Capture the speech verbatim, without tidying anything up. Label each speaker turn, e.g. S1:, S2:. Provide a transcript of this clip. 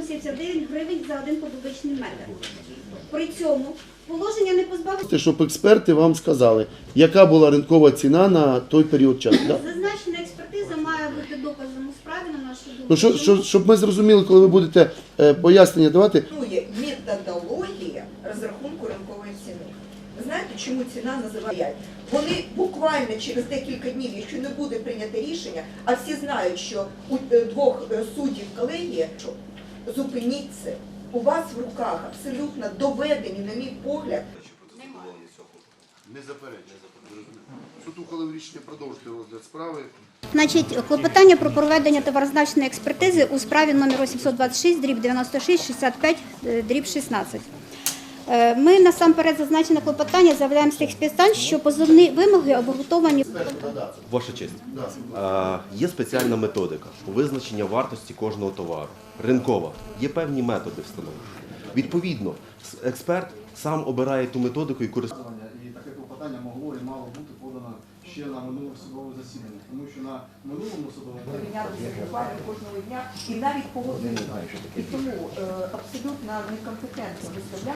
S1: сімдесят дев'ять гривень за один кубічний метр. При цьому положення не позбавить.
S2: Щоб експерти вам сказали, яка була ринкова ціна на той період часу. Да?
S1: Зазначена експертиза має бути доказом у справі, на нашу думку.
S2: Ну, що, що, щоб ми зрозуміли, коли ви будете е, пояснення давати.
S3: Існує методологія розрахунку ринкової ціни. Ви знаєте, чому ціна називає? Вони буквально через декілька днів, якщо не буде прийнято рішення, а всі знають, що у двох суддів колегії, що зупиніть це, у вас в руках абсолютно доведені, на мій погляд.
S2: Не заперечує. Суд ухвалив рішення продовжити розгляд справи.
S1: Значить, клопотання про проведення товарозначної експертизи у справі номер вісімсот двадцять шість, дріб дев'яносто шість, шістдесят п'ять, дріб шістнадцять. Ми насамперед зазначене клопотання заявляємо з тих підстань, що позовні вимоги обґрунтовані.
S4: Ваша честь, є спеціальна методика визначення вартості кожного товару. Ринкова. Є певні методи встановлення. Відповідно, експерт сам обирає ту методику і користується.
S5: І таке клопотання могло і мало бути подано ще на минулому судовому засіданні, тому що на минулому судовому
S3: Помінялися буквально кожного дня і навіть погодили. І тому е, абсолютно некомпетентно виставляти.